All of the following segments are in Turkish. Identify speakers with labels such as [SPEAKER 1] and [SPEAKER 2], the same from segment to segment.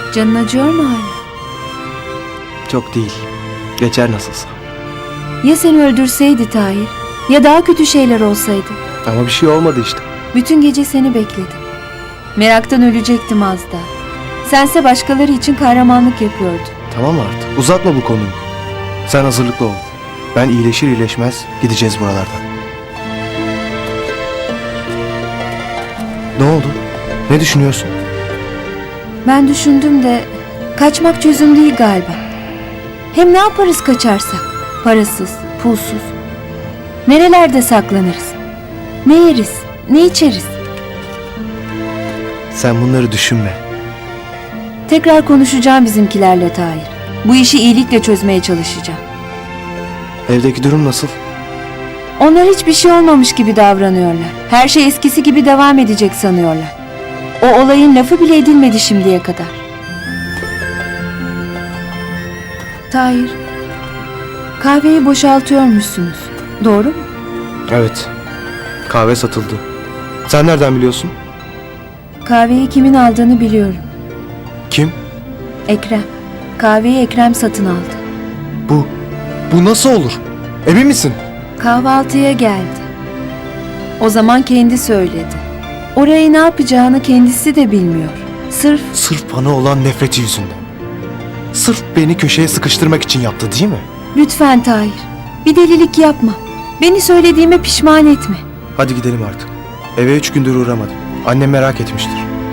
[SPEAKER 1] Canın acıyor mu hala?
[SPEAKER 2] Çok değil. Geçer nasılsa.
[SPEAKER 1] Ya seni öldürseydi Tahir? Ya daha kötü şeyler olsaydı?
[SPEAKER 2] Ama bir şey olmadı işte.
[SPEAKER 1] Bütün gece seni bekledim. Meraktan ölecektim az daha. Sense başkaları için kahramanlık yapıyordun.
[SPEAKER 2] Tamam artık. Uzatma bu konuyu. Sen hazırlıklı ol. Ben iyileşir iyileşmez gideceğiz buralardan. Ne oldu? Ne düşünüyorsun?
[SPEAKER 1] Ben düşündüm de kaçmak çözüm değil galiba. Hem ne yaparız kaçarsak? Parasız, pulsuz. Nerelerde saklanırız? Ne yeriz, ne içeriz?
[SPEAKER 2] Sen bunları düşünme.
[SPEAKER 1] Tekrar konuşacağım bizimkilerle Tahir. Bu işi iyilikle çözmeye çalışacağım.
[SPEAKER 2] Evdeki durum nasıl?
[SPEAKER 1] Onlar hiçbir şey olmamış gibi davranıyorlar. Her şey eskisi gibi devam edecek sanıyorlar. O olayın lafı bile edilmedi şimdiye kadar. Tahir, kahveyi boşaltıyormuşsunuz. Doğru mu?
[SPEAKER 2] Evet. Kahve satıldı. Sen nereden biliyorsun?
[SPEAKER 1] Kahveyi kimin aldığını biliyorum.
[SPEAKER 2] Kim?
[SPEAKER 1] Ekrem. Kahveyi Ekrem satın aldı.
[SPEAKER 2] Bu nasıl olur? Emin misin?
[SPEAKER 1] Kahvaltıya geldi. O zaman kendi söyledi. Orayı ne yapacağını kendisi de bilmiyor.
[SPEAKER 2] Sırf bana olan nefreti yüzünden. Sırf beni köşeye sıkıştırmak için yaptı değil mi?
[SPEAKER 1] Lütfen Tahir, bir delilik yapma. Beni söylediğime pişman etme.
[SPEAKER 2] Hadi gidelim artık. Eve 3 gündür uğramadım. Annem merak etmiştir.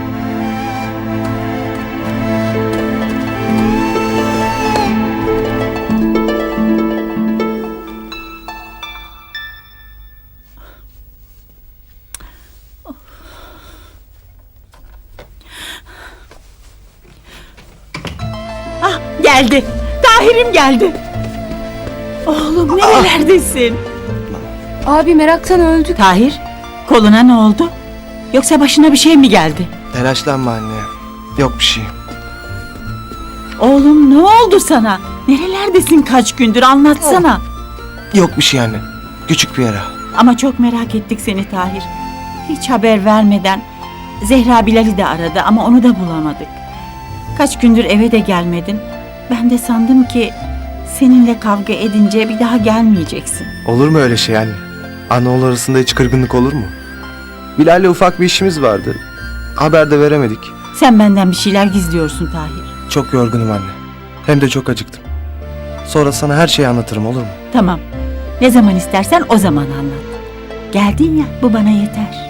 [SPEAKER 3] Ah, geldi. Tahir'im geldi. Oğlum nerelerdesin?
[SPEAKER 1] Abi meraktan öldük.
[SPEAKER 3] Tahir, koluna ne oldu? Yoksa başına bir şey mi geldi?
[SPEAKER 2] Telaşlanma anne. Yok bir şey.
[SPEAKER 3] Oğlum ne oldu sana? Nerelerdesin kaç gündür anlatsana.
[SPEAKER 2] Yok bir şey anne. Küçük bir yara.
[SPEAKER 3] Ama çok merak ettik seni Tahir. Hiç haber vermeden Zehra Bilal'i de aradı ama onu da bulamadık. Kaç gündür eve de gelmedin. Ben de sandım ki seninle kavga edince bir daha gelmeyeceksin.
[SPEAKER 2] Olur mu öyle şey anne? Ana oğul arasında hiç kırgınlık olur mu? Bilal'le ufak bir işimiz vardı. Haber de veremedik.
[SPEAKER 3] Sen benden bir şeyler gizliyorsun Tahir.
[SPEAKER 2] Çok yorgunum anne. Hem de çok acıktım. Sonra sana her şeyi anlatırım olur mu?
[SPEAKER 3] Tamam. Ne zaman istersen o zaman anlat. Geldin ya, bu bana yeter.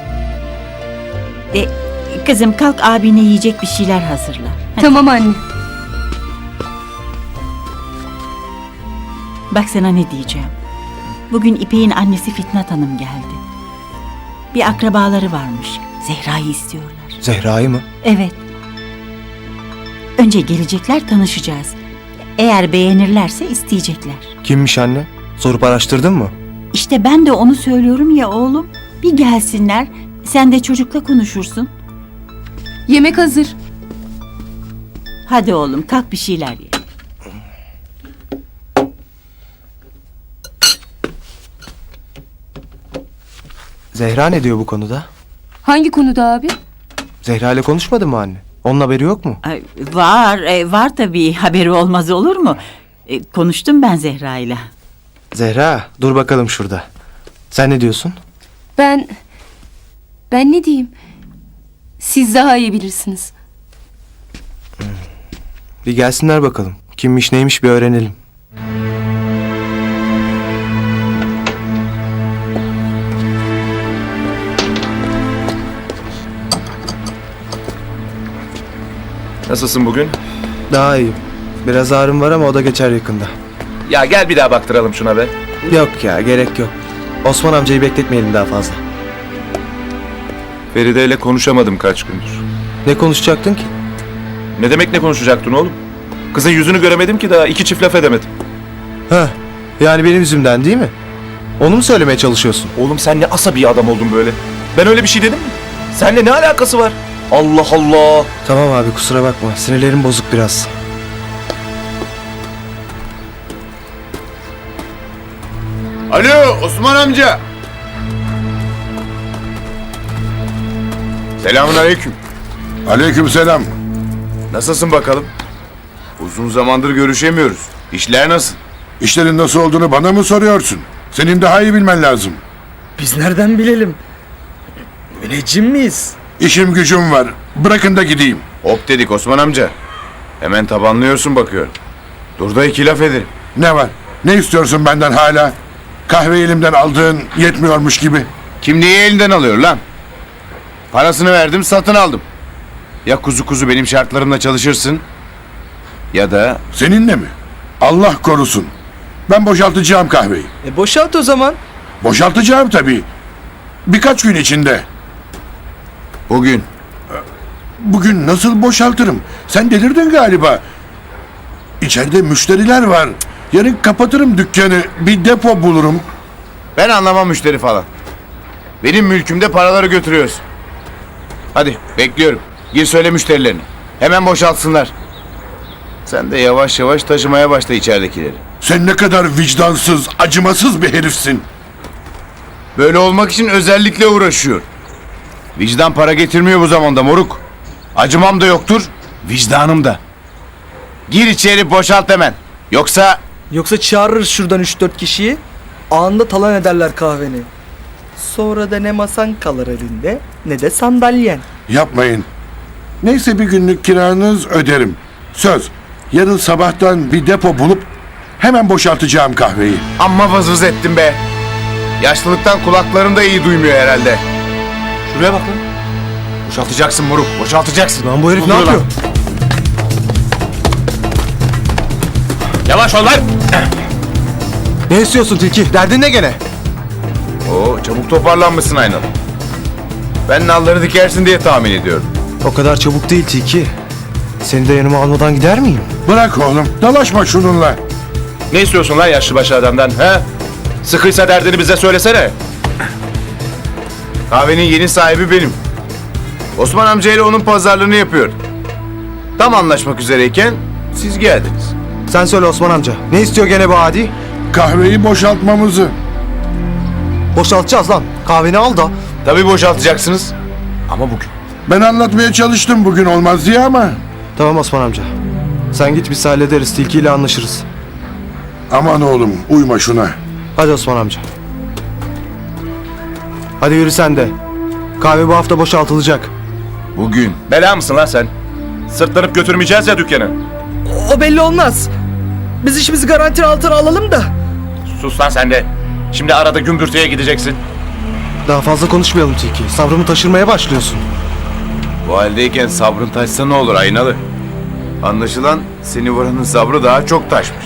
[SPEAKER 3] Kızım kalk, abine yiyecek bir şeyler hazırla. Hadi.
[SPEAKER 1] Tamam anne.
[SPEAKER 3] Bak sana ne diyeceğim. Bugün İpek'in annesi Fitnat Hanım geldi. Bir akrabaları varmış. Zehra'yı istiyorlar.
[SPEAKER 2] Zehra'yı mı?
[SPEAKER 3] Evet. Önce gelecekler, tanışacağız. Eğer beğenirlerse isteyecekler.
[SPEAKER 2] Kimmiş anne? Sorup araştırdın mı?
[SPEAKER 3] İşte ben de onu söylüyorum ya oğlum. Bir gelsinler, sen de çocukla konuşursun.
[SPEAKER 1] Yemek hazır.
[SPEAKER 3] Hadi oğlum kalk bir şeyler ye.
[SPEAKER 2] Zehra ne diyor bu konuda?
[SPEAKER 1] Hangi konuda abi?
[SPEAKER 2] Zehra ile konuşmadın mı anne? Onun haberi yok mu?
[SPEAKER 3] Ay, var tabii, haberi olmaz olur mu? Konuştum ben Zehra'yla.
[SPEAKER 2] Zehra dur bakalım şurada. Sen ne diyorsun?
[SPEAKER 4] Ben ne diyeyim? Siz daha iyi bilirsiniz.
[SPEAKER 2] Bir gelsinler bakalım. Kimmiş neymiş bir öğrenelim.
[SPEAKER 5] Nasılsın bugün?
[SPEAKER 2] Daha iyiyim. Biraz ağrım var ama o da geçer yakında.
[SPEAKER 5] Ya gel bir daha baktıralım şuna be.
[SPEAKER 2] Yok ya gerek yok. Osman amcayı bekletmeyelim daha fazla.
[SPEAKER 5] Feride ile konuşamadım kaç gündür.
[SPEAKER 2] Ne konuşacaktın ki?
[SPEAKER 5] Ne demek ne konuşacaktın oğlum? Kızın yüzünü göremedim ki daha iki çift laf edemedim.
[SPEAKER 2] Ha, yani benim yüzümden değil mi? Onu mu söylemeye çalışıyorsun?
[SPEAKER 5] Oğlum sen ne asabi adam oldun böyle. Ben öyle bir şey dedim mi? Seninle ne alakası var? Allah Allah.
[SPEAKER 2] Tamam abi kusura bakma. Sinirlerim bozuk biraz.
[SPEAKER 6] Alo Osman amca. Selamünaleyküm.
[SPEAKER 7] Aleykümselam.
[SPEAKER 6] Nasılsın bakalım? Uzun zamandır görüşemiyoruz. İşler nasıl?
[SPEAKER 7] İşlerin nasıl olduğunu bana mı soruyorsun? Senin daha iyi bilmen lazım.
[SPEAKER 8] Biz nereden bilelim? Müneccim miyiz?
[SPEAKER 7] İşim gücüm var. Bırakın da gideyim.
[SPEAKER 6] Hop dedik Osman amca. Hemen tabanlıyorsun bakıyorum. Dur da iki laf ederim.
[SPEAKER 7] Ne var? Ne istiyorsun benden hala? Kahve elimden aldığın yetmiyormuş gibi.
[SPEAKER 6] Kimliği elinden alıyor lan. Parasını verdim satın aldım. Ya kuzu kuzu benim şartlarımla çalışırsın ya da
[SPEAKER 7] Seninle mi? Allah korusun. Ben boşaltacağım kahveyi.
[SPEAKER 8] Boşalt o zaman.
[SPEAKER 7] Boşaltacağım tabii. Birkaç gün içinde.
[SPEAKER 6] bugün.
[SPEAKER 7] Bugün nasıl boşaltırım? Sen delirdin galiba. İçeride müşteriler var. Yarın kapatırım dükkanı. Bir depo bulurum.
[SPEAKER 6] Ben anlamam müşteri falan. Benim mülkümde paraları götürüyorsun. Hadi bekliyorum. Gir söyle müşterilerini. Hemen boşaltsınlar. Sen de yavaş yavaş taşımaya başla içeridekileri.
[SPEAKER 7] Sen ne kadar vicdansız, acımasız bir herifsin.
[SPEAKER 6] Böyle olmak için özellikle uğraşıyor. Vicdan para getirmiyor bu zamanda moruk. Acımam da yoktur, vicdanım da. Gir içeri boşalt hemen. Yoksa
[SPEAKER 8] Çağırırız şuradan 3-4 kişiyi. Anında talan ederler kahveni. Sonra da ne masan kalır elinde ne de sandalyen.
[SPEAKER 7] Yapmayın. Neyse bir günlük kiranız öderim. Söz. Yarın sabahtan bir depo bulup hemen boşaltacağım kahveyi.
[SPEAKER 6] amma vız ettim be. Yaşlılıktan kulaklarım da iyi duymuyor herhalde. Şuraya bak lan. Boşaltacaksın moruk, boşaltacaksın.
[SPEAKER 2] Lan bu herif ne yapıyor?
[SPEAKER 6] Yavaş ol lan.
[SPEAKER 2] Ne istiyorsun Tilki? Derdin ne gene?
[SPEAKER 6] Oo, çabuk toparlanmışsın aynalı. Ben nalları dikersin diye tahmin ediyorum.
[SPEAKER 2] O kadar çabuk değil Tilki. Seni de yanıma almadan gider miyim?
[SPEAKER 7] Bırak oğlum. Dalaşma şununla.
[SPEAKER 5] Ne istiyorsun lan yaşlıbaşı adamdan he? Sıkıysa derdini bize söylesene.
[SPEAKER 6] Kahvenin yeni sahibi benim. Osman amcayla onun pazarlığını yapıyor. Tam anlaşmak üzereyken siz geldiniz.
[SPEAKER 2] Sen söyle Osman amca. Ne istiyor gene bu adi?
[SPEAKER 7] Kahveyi boşaltmamızı.
[SPEAKER 2] Boşaltacağız lan. Kahveni al da.
[SPEAKER 6] Tabii boşaltacaksınız. Ama bugün.
[SPEAKER 7] Ben anlatmaya çalıştım bugün olmaz diye ama.
[SPEAKER 2] Tamam Osman amca. Sen git biz hallederiz. Tilki ile anlaşırız.
[SPEAKER 7] Aman oğlum uyma şuna.
[SPEAKER 2] Hadi Osman amca. Hadi yürü sen de. Kahve bu hafta boşaltılacak.
[SPEAKER 6] Bugün.
[SPEAKER 5] Bela mısın lan sen? Sırtlanıp götürmeyeceğiz ya dükkanı.
[SPEAKER 8] O belli olmaz. Biz işimizi garanti altına alalım da.
[SPEAKER 5] Sus lan sen de. Şimdi arada gümbürtüye gideceksin.
[SPEAKER 2] Daha fazla konuşmayalım Tilki. Sabrımı taşırmaya başlıyorsun.
[SPEAKER 6] Bu haldeyken sabrın taşsa ne olur aynalı? Anlaşılan seni vuranın sabrı daha çok taşmış.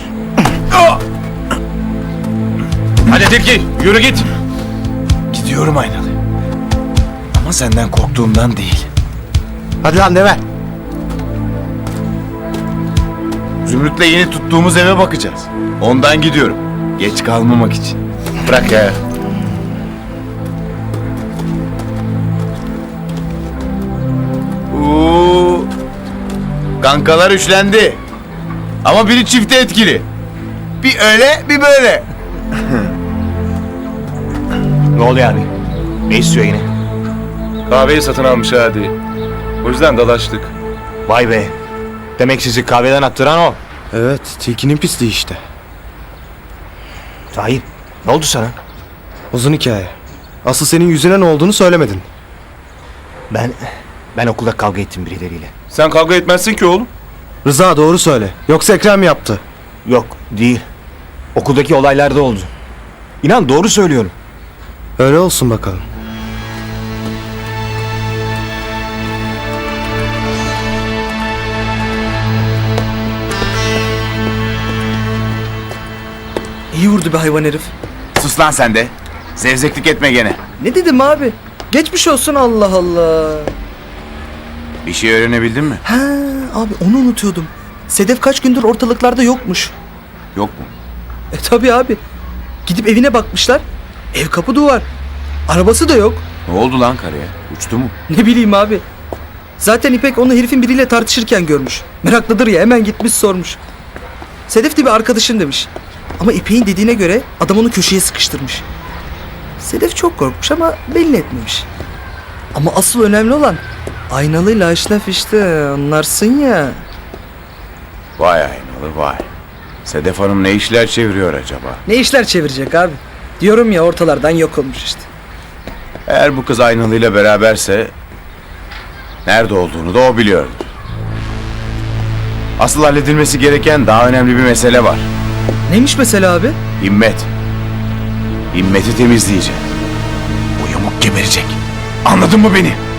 [SPEAKER 5] Hadi Tilki yürü git.
[SPEAKER 6] Gidiyorum aynalı. Ama senden korktuğumdan değil.
[SPEAKER 2] Hadi lan deve.
[SPEAKER 6] Zümrüt'le yeni tuttuğumuz eve bakacağız. Ondan gidiyorum. Geç kalmamak için.
[SPEAKER 5] Bırak ya.
[SPEAKER 6] Oo, kankalar üçlendi. Ama biri çifte etkili. Bir öyle bir böyle.
[SPEAKER 5] Ne oluyor abi? Ne istiyor yine? Kahveyi satın almış hadi. O yüzden dalaştık. Vay be. Demek sizi kahveden attıran o.
[SPEAKER 2] Evet, Tilki'nin pisliği işte.
[SPEAKER 5] Tahir, ne oldu sana?
[SPEAKER 2] Uzun hikaye. Asıl senin yüzüne ne olduğunu söylemedin.
[SPEAKER 9] Ben okulda kavga ettim birileriyle.
[SPEAKER 5] Sen kavga etmezsin ki oğlum.
[SPEAKER 2] Rıza doğru söyle. Yoksa Ekrem mi yaptı?
[SPEAKER 9] Yok, değil. Okuldaki olaylarda oldu. İnan doğru söylüyorum.
[SPEAKER 2] Öyle olsun bakalım.
[SPEAKER 8] İyi vurdu be hayvan herif.
[SPEAKER 6] Sus lan sen de. Zevzeklik etme gene.
[SPEAKER 8] Ne dedim abi? Geçmiş olsun Allah Allah.
[SPEAKER 6] Bir şey öğrenebildin mi?
[SPEAKER 8] Ha abi onu unutuyordum. Sedef kaç gündür ortalıklarda yokmuş.
[SPEAKER 6] Yok mu?
[SPEAKER 8] Tabii abi. Gidip evine bakmışlar. Ev kapı duvar. Arabası da yok.
[SPEAKER 6] Ne oldu lan karıya? Uçtu mu?
[SPEAKER 8] Ne bileyim abi. Zaten İpek onu herifin biriyle tartışırken görmüş. Meraklıdır ya hemen gitmiş sormuş. Sedef de bir arkadaşın demiş. Ama İpek'in dediğine göre adam onu köşeye sıkıştırmış. Sedef çok korkmuş ama belli etmemiş. Ama asıl önemli olan Aynalıyla aşlaf işte anlarsın ya.
[SPEAKER 6] Vay aynalı vay. Sedef Hanım ne işler çeviriyor acaba?
[SPEAKER 8] Ne işler çevirecek abi? Diyorum ya ortalardan yok olmuş işte.
[SPEAKER 6] Eğer bu kız aynalıyla beraberse nerede olduğunu da o biliyordur. Asıl halledilmesi gereken daha önemli bir mesele var.
[SPEAKER 8] Neymiş mesela abi?
[SPEAKER 6] Himmet. Himmet'i temizleyeceğim. O yamuk geberecek. Anladın mı beni?